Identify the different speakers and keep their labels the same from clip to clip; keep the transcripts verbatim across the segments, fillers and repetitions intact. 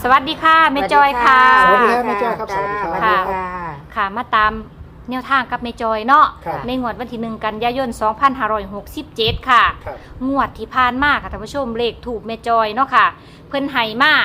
Speaker 1: สวัสดีค่ะแม่จอยค่ะ
Speaker 2: สวัสดีครับแม่จอยครับสวัสดีครับ
Speaker 1: ค่ะค่ะมาตามแนวทางกับแม่จอยเนาะ
Speaker 2: ครับ
Speaker 1: ในงวดวันที่หนึ่งกันยายนสองพันห้าร้อยหกสิบเจ็ดค่ะ
Speaker 2: ครับ
Speaker 1: งวดที่ผ่านมาค่ะท่านผู้ชมเลขถูกแม่จอยเนาะค่ะ เพิ่นไห้มา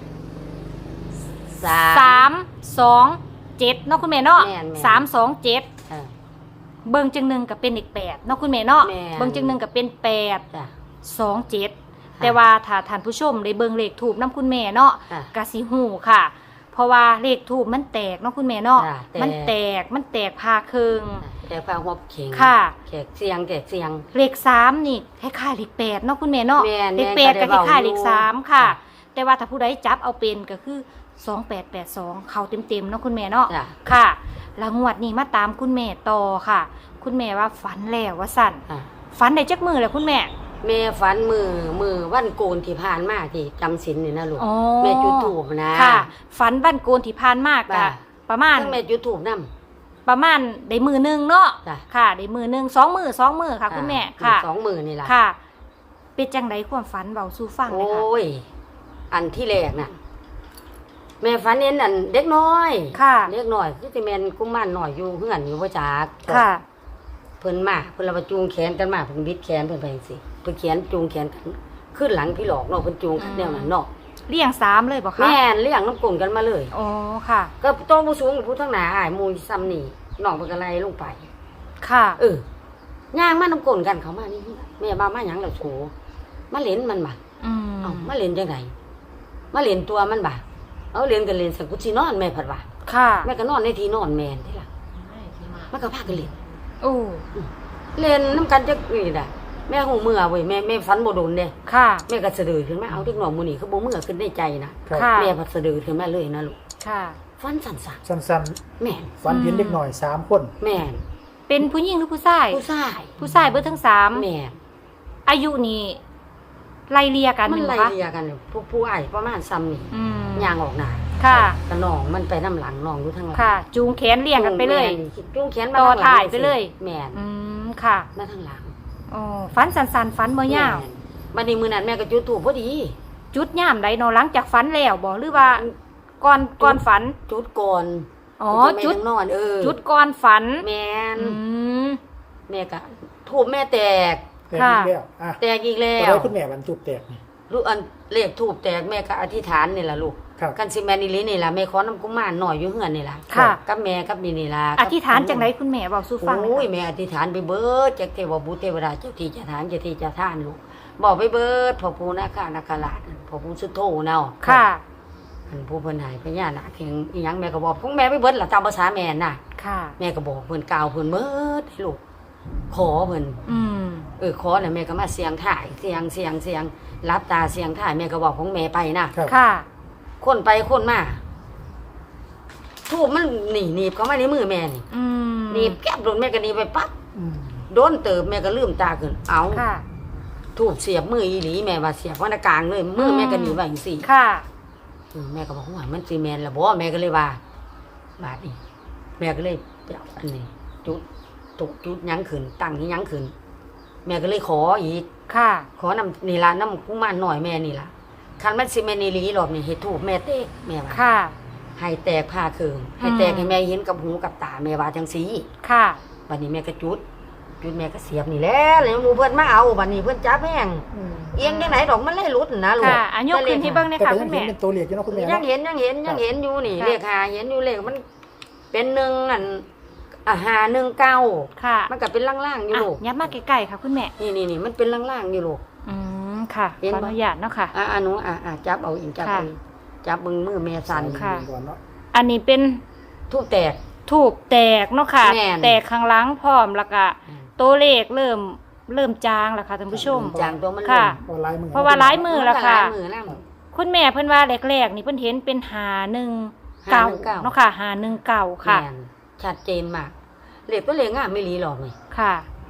Speaker 1: สามสองเจ็ดเนาะคุณแม่เนาะ
Speaker 3: แม่นๆ
Speaker 1: สามสองเจ็ด
Speaker 3: เออ
Speaker 1: เบิ่งจังหนึ่งกับเป็นเลขแปดเนาะคุณแม่เนาะ
Speaker 3: แม่น
Speaker 1: เบิ่งจังหนึ่งกับเป็นแปด
Speaker 3: จ้ะ
Speaker 1: สองเจ็ดแต่ว่าถ้าท่านผู้ชมได้เบิ่งเลขถูกน้ำคุณแม่เนาะ
Speaker 3: ค่ะ
Speaker 1: กะสิหูค่ะ เพราะว่าเลขถูกมันแตกเนาะคุณแม่เนาะ
Speaker 3: จ้ะแตก
Speaker 1: มันแตกมันแตกพาครึ่ง
Speaker 3: แต่ฟ้าหัวเข่ง
Speaker 1: ค่ะ
Speaker 3: แขกเสียงแขกเสียง
Speaker 1: เลขสามนี่คล้ายๆเลขแปดเนาะคุณแม่เนาะ
Speaker 3: แม่น
Speaker 1: เลขแปด
Speaker 3: แม่
Speaker 1: ก็
Speaker 3: น
Speaker 1: คล้ายๆเลขสามค่ะ
Speaker 3: จ้ะ
Speaker 1: แต่ว่าถ้าผู้ใดจับเอาเป็นก็คือสองแปดแปดสองเข้าเต็มๆเนาะคุณแม่เนาะ
Speaker 3: จ้ะ
Speaker 1: ค่ะแล้วงวดนี้มาตามคุณแม่ต่อค่ะ คุณแม่ว่าฝันแล้วว่าสั่น
Speaker 3: อ่ะ
Speaker 1: ฝันได้จักมือแล้วคุณแม่
Speaker 3: แม่ฝันมือมือวันโกนที่ผ่านมาที่จำศีลนี่นะลูก
Speaker 1: อ๋อ
Speaker 3: แม่จุดถูกนะ
Speaker 1: ค่ะ ฝันวันโกนที่ผ่านมาก
Speaker 3: จ้ะ
Speaker 1: อะประมาณ
Speaker 3: ทั้งแม่จุดถูกนำ
Speaker 1: ประมาณได้มือหนึงเนาะ
Speaker 3: จ้ะ
Speaker 1: ค่ะได้มือหนึงสองมือสองมือค่ะ คุณแม่ค่ะ
Speaker 3: สองมือนี่ล่ะ
Speaker 1: ค่ะ เป็นจังไดความฝันเบาสู่ฟังเลยค่ะ
Speaker 3: โอ้ยอันที่แรกน่ะ แม่ฝันเห็นอันเด็กน้อย
Speaker 1: ค่ะ
Speaker 3: เด็กน้อยคือสิแม่นกุมารน้อยอยู่เฮือนอยู่บ่จัก
Speaker 1: ค่ะ
Speaker 3: เพิ่นมาเพิ่นละมาจูงแขนกันมาเพิ่นบิดแขนเพิ่นไปจังซี่เพิ่นแขนจูงแขนกันขึ้นหลังพี่หลอกเนาะเพิ่นจูงกันแนวนั้นเนาะ
Speaker 1: เลี้ยงสามเลยบอกคะ
Speaker 3: แม่นเลี้ยงน้ำกลนกันมาเลย
Speaker 1: อ๋อค่ะ
Speaker 3: ก็โตผู้สูงผู้ทั้งหน้าอ้ายหมู่ซ้ำนี่น้องเพิ่นก็ไล่ลงไป
Speaker 1: ค่ะ
Speaker 3: เออย่างมาน้ำกลนกันเขามานี่แม่มามาหยังล่ะโฉมาเล่นมันบ่
Speaker 1: อืม
Speaker 3: เอ้ามาเล่นจังไดมาเล่นตัวมันบ่เอาเล่นกันเล่นสักกูสินอนแม่ผัดว่า
Speaker 1: ค่ะ
Speaker 3: แม่ก็นอนในที่นอนแม่นติล่ะมันก็พากันเล่น
Speaker 1: โอ้
Speaker 3: เล่นน้ำกันจักนี่น่ะแม่หูเมื่อเว้ยแม่แม่ฝันบ่โดนเด้
Speaker 1: ค่ะ
Speaker 3: แม่ก็สะดือขึ้นมาเอาเด็กน้อยหมื้อนี้คือบ่เมื่อขึ้นในใจนะ
Speaker 2: ครับ
Speaker 1: ค่ะ
Speaker 3: แม่พัดสะดือขึ้นมาเลยนะลูก
Speaker 1: ค่ะ
Speaker 3: ฟันสั่น
Speaker 2: สั้น
Speaker 3: ๆแม่น
Speaker 2: ๆฟันเห็นเด็กหน่อยสามคน
Speaker 3: แม่น
Speaker 1: เป็นผู้หญิงหรือผู้ชาย
Speaker 3: ผู้ชาย
Speaker 1: ผู้ชายเบิดทั้งสาม
Speaker 3: แม่น
Speaker 1: อายุนี่ไล่เลียกัน
Speaker 3: มัน
Speaker 1: อยู่
Speaker 3: ไล่
Speaker 1: คะ
Speaker 3: เลียกันผู้ผู้อ้ายประมาณซ้ำนี่
Speaker 1: อืม
Speaker 3: ย่างออกหน้า
Speaker 1: ค่ะ
Speaker 3: กระน้องมันไปน้ำหลังน้องอยู่ทางหลัง
Speaker 1: ค่ะ จูงแขนเลี้ยงกันไปเลย
Speaker 3: แม่นจูงแขนมา
Speaker 1: ต่อ
Speaker 3: ทางหลัง
Speaker 1: ถ่ายไปเลย
Speaker 3: แม่น
Speaker 1: อืมค่ะ
Speaker 3: มาทางหลัง
Speaker 1: อ๋อฝันสันๆฝันบ่ยาว
Speaker 3: แม่นบัดนี้มื้อนั้นแม่ก็จุดธูปพอดี
Speaker 1: จุดย่ามใดเนาะหลังจากฝันแล้วบ่หรือว่าก่อนก่อนฝัน
Speaker 3: จุดก่อน
Speaker 1: อ๋อ
Speaker 3: แม่
Speaker 1: จุด
Speaker 3: ยังนอนเออ
Speaker 1: จุดก่อนฝัน
Speaker 3: แม่น
Speaker 1: อืม
Speaker 3: แม่ก็ธูปแม่แตก
Speaker 2: แตก
Speaker 1: ค่ะ
Speaker 2: อีกแล้วอ่ะ
Speaker 3: แตกอีกแล้
Speaker 2: ตัว
Speaker 3: ว
Speaker 2: ได้คุณแม่บรรจุแตกนี่
Speaker 3: ลูกอันเลขทูบแตกแม่ก็อธิษฐานนี่ล่ะลูก
Speaker 2: ครับ
Speaker 3: กันสิแม่นี่ลินี่ล่ะแม่ขอน้ำกุมารหน่อยอยู่เฮือนนี่ล่ะ
Speaker 1: ค่ะ
Speaker 3: กับแม่กับนี่นี่ล่ะ
Speaker 1: อธิษฐานจังไดคุณแม่เว้าสู่ฟังหน่
Speaker 3: โอ้
Speaker 1: อย ยค่ะ
Speaker 3: แม่อธิษฐานไปเบิดจากเทวบุตรเทวดาเจ้าที่เจ้าทานเจ้าที่เจ้าทานลูกบอกไปเบิดพ่อปู่นาคานาคราชพ่อปู่สุโธเนาะ
Speaker 1: ค่ะ
Speaker 3: อันผู้เพิ่นใหายพญานาคเพียงอีหยังแม่ก็บอกของแม่ไปเบิดล่ะตามภาษาแม่น่ะ
Speaker 1: ค่ะ
Speaker 3: แม่ก็บอกเพิ่นกล่าวเพิ่นเบิดให้ลูกขอเพิ่น
Speaker 1: อืม
Speaker 3: เออขอน่ะแม่ก็มาเสียงถ่ายเสียงเสียงเสียงรับตาเสียงถ่ายแม่ก็บอกของแม่ไปนะ
Speaker 2: ครับ
Speaker 1: ค่ะ
Speaker 3: คนไปคนมาทูบมันหนีหนีบเข้ามาในมือแม่นี่
Speaker 1: อืม
Speaker 3: หนีบแก้บโดนแม่ก็หนีบไปปั๊บ
Speaker 2: อืม
Speaker 3: โดนเติบแม่ก็ลืมตาขึ้นเอา
Speaker 1: ค่ะ
Speaker 3: ทูบเสียบมืออีหลีแม่ว่าเสียบวันกลางเลยมือแม่ก็หนีบไว้จังซี่
Speaker 1: ค่ะ
Speaker 3: อืมแม่ก็บอกว่ามันสิแม่นละบ่แม่ก็เลยว่าบาดนี้แม่ก็เลยไปเอาอันนี้จุดตุกจุดหยังขึ้นตั้งที่หยังขึ้นแม่ก็เลยขออีก
Speaker 1: ค่ะ
Speaker 3: ขอนำนี่ล่ะน้ำกุมารหน่อยแม่นี่ล่ะคันมันสิแม่นอีหลีรอบนี้เฮ็ดทูบแม่เตกแม่ว่า
Speaker 1: ค่ะ
Speaker 3: ให้แตกผ้าเคืองให้แตกให้แม่เห็นกับหูกับตาแม่ว่าจังซี่
Speaker 1: ค่ะ
Speaker 3: บัดนี้แม่ก็จุด จุดแม่ก็เสียบนี่แหละแล้วหมู่เพิ่นมาเอาบัดนี้เพิ่นจับแห้ง
Speaker 2: อืม
Speaker 3: เอียงจังไหนดอกมันเลยหลุดนะลูก
Speaker 1: ค่ะอันยกขึ้นที่เบิ้ง
Speaker 2: แต่
Speaker 1: เนี่ยค่ะ
Speaker 2: ก็
Speaker 1: คุ
Speaker 2: ยัง
Speaker 1: ณ
Speaker 2: เห็น
Speaker 1: แม่
Speaker 2: เป็นตัวเลขอยู่เนาะคุณแม่
Speaker 3: ยั
Speaker 2: เนาะ
Speaker 3: งเห็นยังเห็นยังเห็นอยู่นี่
Speaker 1: ค่ะ
Speaker 3: เลขหาเห็นอยู่เลขมันเป็นหนึ่งอันอ่ะหาหนึ่งเก้า
Speaker 1: ค่ะ
Speaker 3: มันก็เป็นล่างๆอยู่
Speaker 1: อ่ะ
Speaker 3: ลูก
Speaker 1: ยับมาใกล้ๆค่ะคุณแม่
Speaker 3: นี่นี่นี่มันเป็นล่างๆอยู่ลูก
Speaker 1: อืมค่ะ
Speaker 3: เห็น
Speaker 1: ขอ
Speaker 3: ปะ
Speaker 1: อนุญาตเนาะค่ะ
Speaker 3: อ่ะอ่ะหนูอ่ะอ่ะจับเอาอีกจับ
Speaker 1: ค่ะ
Speaker 3: เอาอีกจับมือมือแม่สั่น
Speaker 1: ค่ะ
Speaker 2: ก่อนเนาะ
Speaker 1: อันนี้เป็น
Speaker 3: ทูบแตก
Speaker 1: ถูกแตกเนาะค่ะ
Speaker 3: แม่น
Speaker 1: แตกข้างหลังพร้อมแล้วก็ตัวเลขเริ่มเริ่มจางแล้วค่ะท่านผู้ชม
Speaker 3: จางตัวมัน
Speaker 1: ค่ะ
Speaker 2: เพราะลายมือ
Speaker 1: เพราะว่าลายมือ
Speaker 3: มัน
Speaker 1: แล้ว
Speaker 3: ก็
Speaker 1: ค่ะ
Speaker 3: ลายมือนะ
Speaker 1: คุณแม่เพิ่นว่าแรกๆนี่เพิ่นเห็นเป็นหาหนึ่งเก่า
Speaker 3: หาหนึ่งเก้า
Speaker 1: เนาะค่ะหาหนึ่งเก่าค่ะ
Speaker 3: แม่นชัดเจนมากเลขก็เลขงามไม่รีหรอกเลย
Speaker 1: ค่ะ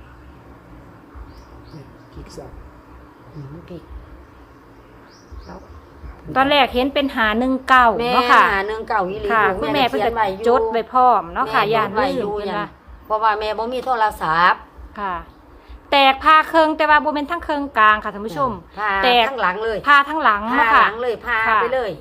Speaker 2: กิกซับ
Speaker 3: อืมมันพลิกแล้ว
Speaker 1: ตอนแรกเห็นเป็นหาหนึ่งเก่า
Speaker 3: แม่
Speaker 1: เนาะค่ะ
Speaker 3: หาหนึ่งเก้าอีหลี
Speaker 1: ค่ะ
Speaker 3: ลูก
Speaker 1: คุณแม่เพิ่น
Speaker 3: ขี
Speaker 1: ก็
Speaker 3: ยไว้อยู่
Speaker 1: จดไว้พร้อมเนาะค่ะ
Speaker 3: แม่
Speaker 1: ยาน
Speaker 3: จดไว้
Speaker 1: ลื
Speaker 3: อยู่
Speaker 1: มเพิ่น
Speaker 3: ยัน
Speaker 1: ว่า
Speaker 3: เพราะว่าแม่บ่มีโทรศัพท์
Speaker 1: ค่ะ แตกพาเคิงแต่ว่าบ่เป็นทั้งเคิงกลางค่ะท่านผู้ชม
Speaker 3: พา
Speaker 1: แตก
Speaker 3: ทั้งหลังเลย
Speaker 1: พาทั้งหลัง
Speaker 3: พา
Speaker 1: เนาะ
Speaker 3: ห
Speaker 1: ค่ะ
Speaker 3: ลังเลยพา
Speaker 1: ค่ะ
Speaker 3: ไปเลย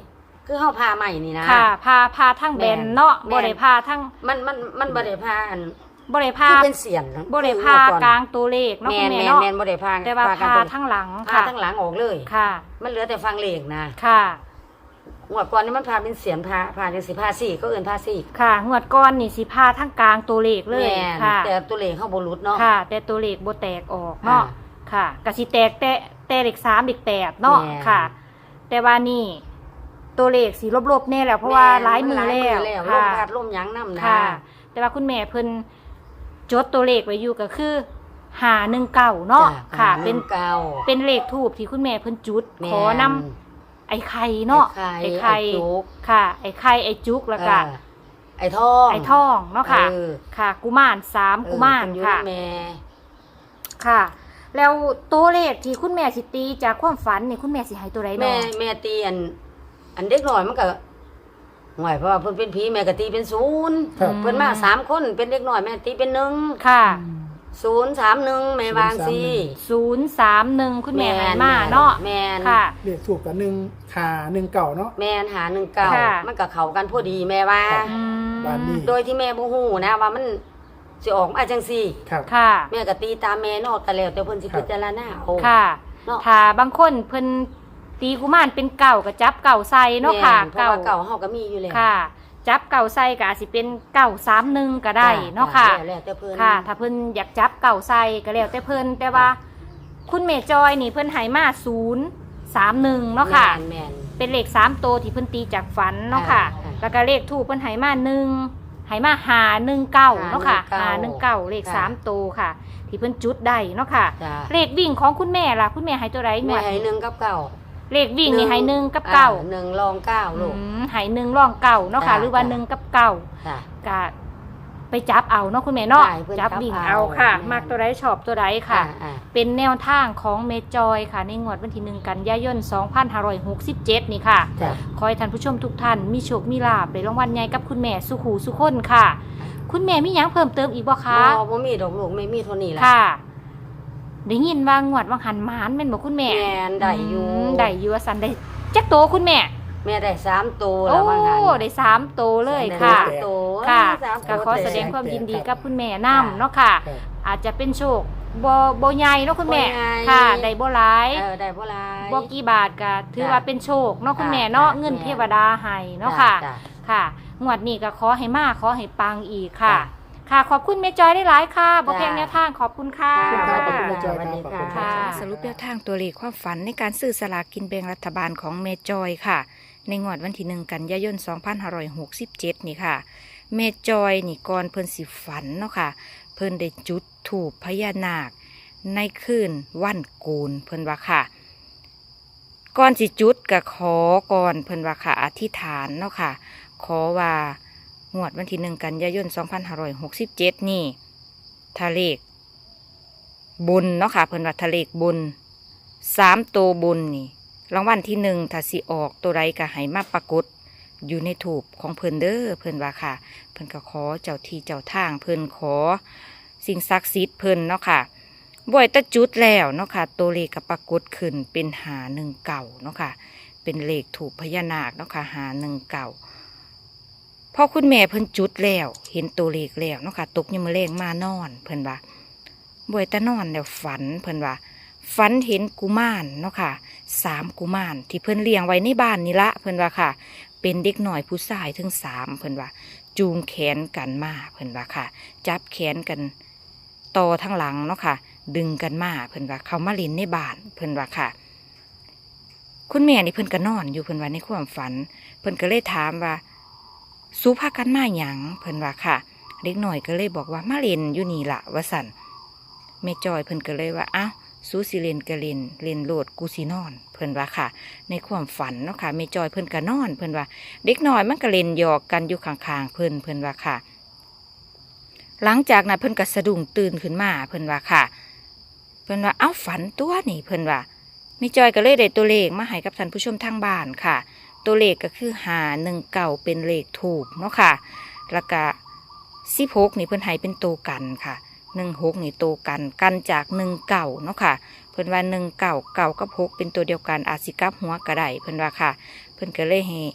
Speaker 3: คือเฮาพาใหม่นี่นะ
Speaker 1: ค่ะพาพาทั้งแบนเนาะบ่ได้พาทั้ง
Speaker 3: มันมันมันบ่ได้พาอัน
Speaker 1: บ่ได้พา
Speaker 3: คือเป็นเสียน
Speaker 1: บ่ได้พากลางตัวเลขเนาะ
Speaker 3: แม่
Speaker 1: คุณ
Speaker 3: น
Speaker 1: แม่
Speaker 3: แม่น
Speaker 1: เนาะ
Speaker 3: แม่นบ่ได้พา
Speaker 1: แต่ว่า
Speaker 3: กัน
Speaker 1: พา
Speaker 3: ตัว
Speaker 1: ทั้งหลัง
Speaker 3: พา
Speaker 1: ค่ะ
Speaker 3: ทั้งหลังออกเลย
Speaker 1: ค่ะ
Speaker 3: มันเหลือแต่ฟังเลขนะ
Speaker 1: ค่ะ
Speaker 3: งวดก่อนนี่มันพาเป็นเสียนพาพาจังสิพาสี่ก็เอิ้นพาสี่
Speaker 1: ค่ะงวดก่อนนี่สิพาทั้งกลางตัวเลขเลย
Speaker 3: แม่น
Speaker 1: ค่ะ
Speaker 3: แต่ตัวเลขเฮาบ่หลุดเนาะ
Speaker 1: ค่ะ แต่ตัวเลขบ่แตกออกเนาะ
Speaker 3: อ่า
Speaker 1: ค่ะก็สิแตกแต่แต่เลขสามเลขแปดเนาะ
Speaker 3: แม่น
Speaker 1: ค่ะ แต่ว่านี่ตัวเลขสิลบๆแน่แล้วเพราะว่าหลายมือแล้ว
Speaker 3: ลม
Speaker 1: ค่ะ
Speaker 3: พัดลมหยังนำนะ
Speaker 1: ค่ะ แต่ว่าคุณแม่เพิ่นจดตัวเลขไว้อยู่ก็คือห้าหนึ่งเก้าเนาะ
Speaker 3: จ้
Speaker 1: ค่ะ
Speaker 3: เป็
Speaker 1: เป็น น
Speaker 3: เก่า
Speaker 1: เป็นเลขทูบที่คุณแม่เพิ่นจุด
Speaker 3: แม่
Speaker 1: ขอนำไอ้ไข่เนาะ
Speaker 3: ไอ้ไข่
Speaker 1: ไอ้ไข่
Speaker 3: ไอ้จุก
Speaker 1: ค่ะ ไอ้ไข่ไอ้จุกแล้วก็
Speaker 3: เออไอ้ทอง
Speaker 1: ไอ้ทองเนาะค่ะ
Speaker 3: เออ
Speaker 1: ค่ะ กุมารสามกุมาร
Speaker 3: เออเพิ่นอยู่
Speaker 1: ค่ะ
Speaker 3: นำแม่
Speaker 1: ค่ะ แล้วตัวเลขที่คุณแม่สิตีจากความฝันนี่คุณแม่สิให้ตัวใด
Speaker 3: แม่
Speaker 1: เนาะ
Speaker 3: แม่ตีอัน อันเด็กน้อยมันก็ห่วยเพราะว่าเพิ่นเป็นผีแม่ก็ตีเป็นศูนย์
Speaker 2: ครับ
Speaker 3: เพิ่นมาสามคนเป็นเด็กน้อยแม่ตีเป็นหนึ่ง
Speaker 1: ค่ะ
Speaker 3: ศูนย์สามหนึ่งแม่วางสิ
Speaker 1: ศูนย์สามหนึ่งคุณแม่ให้มาเนาะ
Speaker 3: แม่น
Speaker 1: ค่ะ
Speaker 2: เลขถูกกับหนึ่งหาหนึ่งเก่าเนาะ
Speaker 3: แม่นหาหนึ่งเก่า
Speaker 1: ค่ะ
Speaker 3: มันก็เข้ากันพอดีแม่ว่า
Speaker 2: ครับ
Speaker 1: อืม
Speaker 2: บ้านนี้
Speaker 3: โดยที่แม่บ่ฮู้นะว่ามันสิออกมาจังซี่
Speaker 2: ครับ
Speaker 1: ค่ะ
Speaker 3: แม่ก็ตีตามแม่เนอกกันแล้วแต่เพิ่นสิ
Speaker 2: ครับ
Speaker 3: พิจารณาเอา
Speaker 1: ค่ะ
Speaker 3: เนาะ
Speaker 1: ถ้าบางคนเพิ่นตีกุมารเป็นเก่าก็จับเก่าใส่เนาะค่ะ
Speaker 3: แม่นเพราะว่าเก่าเฮาก็มีอยู่แล้ว
Speaker 1: ค่ะ จับเก่าใส่ก็อาจสิเป็นเก่าสามหนึ่งก็ได้เนาะค่ะ
Speaker 3: แล้วแล้วแต่เพิ่น
Speaker 1: ค่ะ ถ้าเพิ่นอยากจับเก่าใส่ก็แล้วแต่เพิ่นแต่ว่า คุณเมจอยนี่เพิ่นให้มาศูนย์สามหนึ่งเนาะค่ะ
Speaker 3: แม่นแม่น
Speaker 1: เป็นเลขสามตัวที่เพิ่นตีจากฝันเนาะค่ะ
Speaker 3: อ่า
Speaker 1: แล้วก็เลขทูปเพิ่นให้มาหนึ่งให้มาหาหนึ่งเก้าเนาะค่ะหาหนึ่งเก้าเลข
Speaker 3: ค่ะ
Speaker 1: สามตัวค่ะ ที่เพิ่นจุดได้เนาะค่ะ
Speaker 3: จ้ะ
Speaker 1: เลขวิ่งของคุณแม่ล่ะคุณแม่ให้ตัวไร
Speaker 3: แม่ให้หนึ่งกับเก้า
Speaker 1: เลขวิ่งนี่ให้หนึ่งกับเก้า
Speaker 3: อ่หนึ่งรองเก้าลูก
Speaker 1: อืมให้หนึ่งร่องเก้าเนาะค่ะ
Speaker 3: จ้ะ
Speaker 1: หรือว่า
Speaker 3: จ้ะ
Speaker 1: หนึ่งกับเก้า
Speaker 3: จ้ะ
Speaker 1: ก็ไปจับเอาเนาะคุณแม่เนาะ
Speaker 3: ใช่เพิ่น
Speaker 1: จับวิ่ง
Speaker 3: จับ
Speaker 1: เอา
Speaker 3: เอา
Speaker 1: ค่ะ
Speaker 3: แม่
Speaker 1: มักตัวไรชอบตัวไรค่ะ
Speaker 3: อ่าอ่า
Speaker 1: เป็นแนวทางของเมจอยค่ะ ในงวดวันที่หนึ่งกันยายนสองพันห้าร้อยหกสิบเจ็ดนี่ค่ะ
Speaker 3: จ้ะ
Speaker 1: ขอให้ท่านผู้ชมทุกท่านมีโชคมีลาภในรางวัลใหญ่กับคุณแม่สุขูสุคนค่ะ คุณแม่มีหยังเพิ่มเติมอีกบ่คะ
Speaker 3: บ่บ่มีดอกลูกไม่มีเท่านี้ล่ะ
Speaker 1: ค่ะได้ยินว่างวดว่างหันหมานแม่นบ่คุณแม่
Speaker 3: แม่นได้อยู่
Speaker 1: มได้อยู่ว่าสันได้จักโตคุณแม่
Speaker 3: แม่ได้สามตัว
Speaker 1: โอ้
Speaker 3: แล้วบางหัน
Speaker 1: ได้สามโตเลย
Speaker 3: ได้
Speaker 1: ค่ะ
Speaker 3: สามตัว
Speaker 1: ค่ะ
Speaker 3: สาม
Speaker 1: ก็
Speaker 3: ตัว
Speaker 1: ขอแสดงความยินดีกับคุณแม่นํเนาะค่ะ
Speaker 2: ครับ
Speaker 1: อาจจะเป็นโชคบ่บ่ใหญ่เนาะคุณแม่
Speaker 3: บ่ใหญ่
Speaker 1: ค่ะได้บ่หลาย
Speaker 3: เออได้บ่หลาย
Speaker 1: บ่กี่บาทก็ถือ
Speaker 3: จ้ะ
Speaker 1: ว่าเป็นโชคเนาะคุณแม่
Speaker 3: จ้ะ
Speaker 1: เนาะ
Speaker 3: จ้ะ
Speaker 1: เงิน
Speaker 3: แม่
Speaker 1: เทวดาให้เนาะค่ะ
Speaker 3: จ้
Speaker 1: ค่ะงวดนี้ก็ขอให้มาขอให้ปังอีกค่ะ
Speaker 3: จ้ะ
Speaker 1: ค่ะขอบคุณแม่จอยได้หลายๆค่ะบ่
Speaker 3: จ้ะ
Speaker 1: เพียงแนวทางขอบคุณค่ะ
Speaker 2: ขอบคุณครับขอบคุณแม่จอย
Speaker 3: สวัสดี
Speaker 2: ครับขอบคุณ
Speaker 3: ค่ะ
Speaker 2: ครับ
Speaker 1: สรุปแนวทางตัวเลขความฝันในการซื้อสลากกินแบ่งรัฐบาลของเมจอยค่ะ ในงวดวันที่หนึ่งกันยายนสองพันห้าร้อยหกสิบเจ็ดนี่ค่ะเมจอยนี่ก่อนเพิ่นสิฝันเนาะค่ะ เพิ่นได้จุดธูปพญานาคในคืนวันโกนเพิ่นว่าค่ะ ก่อนสิจุดก็ขอก่อนเพิ่นว่าค่ะอธิษฐานเนาะค่ะ ขอว่างวดวันที่หนึ่งกันยายนสองพันห้าร้อยหกสิบเจ็ดนี่ทะเลขบุญเนาะค่ะเพิ่นว่าทะเลขบุญสามตัวบุญนี่รางวัลที่หนึ่งถ้าสิออกตัวใดก็ให้มาปรากฏอยู่ในถูปของเพิ่นเด้อเพิ่นว่าค่ะ เพิ่นก็ขอเจ้าที่เจ้าทางเพิ่นขอสิ่งศักดิ์สิทธิ์เพิ่นเนาะค่ะบ่อยแตะจุดแล้วเนาะค่ะตัวเลขก็ปรากฏขึ้นเป็นหาหนึ่งเก่าเนาะค่ะเป็นเลขถูกพญานาคเนาะค่ะหาหนึ่งเก่าพอคุณแม่เพิ่นจุดแล้วเห็นตัวเลขแล้วเนาะค่ะตกยังมาแรงมานอนเพิ่นว่าบ่อยแตะนอนแล้วฝันเพิ่นว่าฝันเห็นกุมารเนาะค่ะสามกุมารที่เพิ่นเลี้ยงไว้ในบ้านนี่ละเพิ่นว่าค่ะ เป็นเด็กหน่อยผู้ชายถึงสามเพิ่นว่า จูงแขนกันมาเพิ่นว่าค่ะ จับแขนกันต่อทั้งหลังเนาะค่ะ ดึงกันมาเพิ่นว่าเขามาเล่นในบ้านเพิ่นว่าค่ะ คุณแม่นี่เพิ่นก็นอนอยู่เพิ่นว่าในความฝัน เพิ่นก็เลยถามว่าสู้พากันมาหยังเพิ่นว่าค่ะ เด็กหน่อยก็เลยบอกว่ามาเล่นอยู่นี่ล่ะว่าสั่นแม่จอยเพิ่นก็เลยว่าอ้าวสู้สิเล่นก็เล่นเล่นโลดกูสินอนเพิ่นว่าค่ะ ในความฝันเนาะค่ะแม่จอยเพิ่นก็นอนเพิ่นว่า เด็กน้อยมันก็เล่นหยอกกันอยู่ข้างๆเพิ่นเพิ่นว่าค่ะ หลังจากนั้นเพิ่นก็สะดุ้งตื่นขึ้นมาเพิ่นว่าค่ะ เพิ่นว่าเอ้าฝันตัวนี่เพิ่นว่าแม่จอยก็เลยได้ตัวเลขมาให้กับท่านผู้ชมทางบ้านค่ะ ตัวเลขก็คือหาหนึ่งเก่าเป็นเลขถูกเนาะค่ะ แล้วก็สิบหกนี่เพิ่นให้เป็นตัวกันค่ะหนึ่งหกนี่ตัวกันกันจากหนึ่งเก่าเนาะค่ะ เพิ่นว่าหนึ่งเก่าเก่ากับหกเป็นตัวเดียวกันอาจสิกลับหัวก็ได้เพิ่นว่าค่ะ เพิ่นก็เลยให้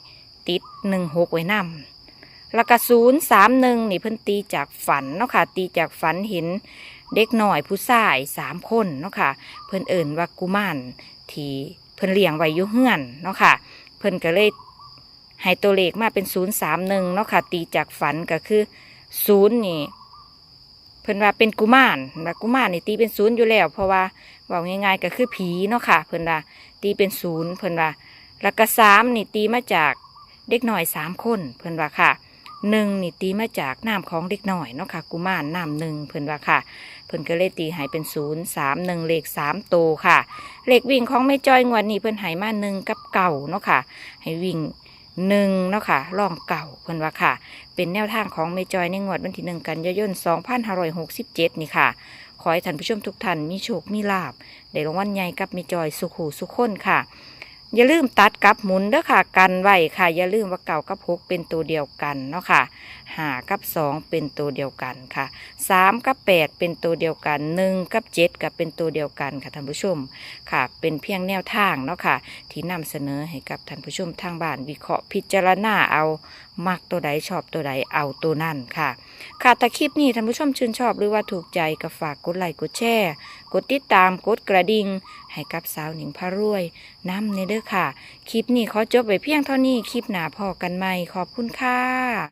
Speaker 1: ติดหนึ่งหกไว้นำแล้วก็ศูนย์สามหนึ่งนี่เพิ่นตีจากฝันเนาะค่ะตีจากฝันเห็นเด็กหน่อยผู้ชายสามคนเนาะค่ะเพิ่นเอิ่นว่ากุมารที่เพิ่นเลี้ยงไว้อยู่เฮือนเนาะค่ะเพิ่นก็เลยให้ตัวเลขมาเป็นศูนย์สามหนึ่งเนาะค่ะตีจากฝันก็คือศูนย์นี่เพิ่นว่าเป็นกุมารว่ากุมารนี่ตีเป็นศูนย์อยู่แล้วเพราะว่าว่าง่ายๆก็คือผีเนาะค่ะเพิ่นว่าตีเป็นศูนย์เพิ่นว่าแล้วก็สามนี่ตีมาจากเด็กหน่อยสามคนเพิ่นว่าค่ะหนึ่งนี่ตีมาจากน้ำของเด็กหน่อยเนาะค่ะกุมารน้ำหนึ่งเพิ่นว่าค่ะเพิ่นก็เลยตีให้เป็นศูนย์สามหนึ่งเลขสามโตวค่ะเลขวิ่งของแม่จอยงวดนี้เพิ่นให้มาหนึ่งกับเก่าเนาะค่ะให้วิ่งหนึ่งเนาะค่ะล่องเก่าเพิ่นว่าค่ะเป็นแนวทางของแม่จอยในงวดวันที่หนึ่งกันยายนสองพันห้าร้อยหกสิบเจ็ดนี่ค่ะขอให้ท่านผู้ชมทุกท่านมีโชคมีลาภได้รางวัลใหญ่กับแม่จอยสุขหูสุขคนค่ะอย่าลืมตัดกับหมุนเด้อค่ะกันไว้ค่ะอย่าลืมว่าเก่ากับหกเป็นตัวเดียวกันเนาะค่ะห้ากับสองเป็นตัวเดียวกันค่ะสามกับแปดเป็นตัวเดียวกันหนึ่งกับเจ็ดกับเป็นตัวเดียวกันค่ะท่านผู้ชมค่ะเป็นเพียงแนวทางเนาะค่ะที่นำเสนอให้กับท่านผู้ชมทางบ้านวิเคราะห์พิจารณาเอามักตัวใดชอบตัวใดเอาตัวนั่นค่ะค่ะแต่คลิปนี้ท่านผู้ชมชื่นชอบหรือว่าถูกใจก็ฝากกดไลค์กดแชร์กดติดตามกดกระดิ่งให้กับสาวหนิงพารวยน้ำในเด้อค่ะคลิปนี้ขอจบไว้เพียงเท่านี้คลิปหน้าพอกันใหม่ขอบคุณค่ะ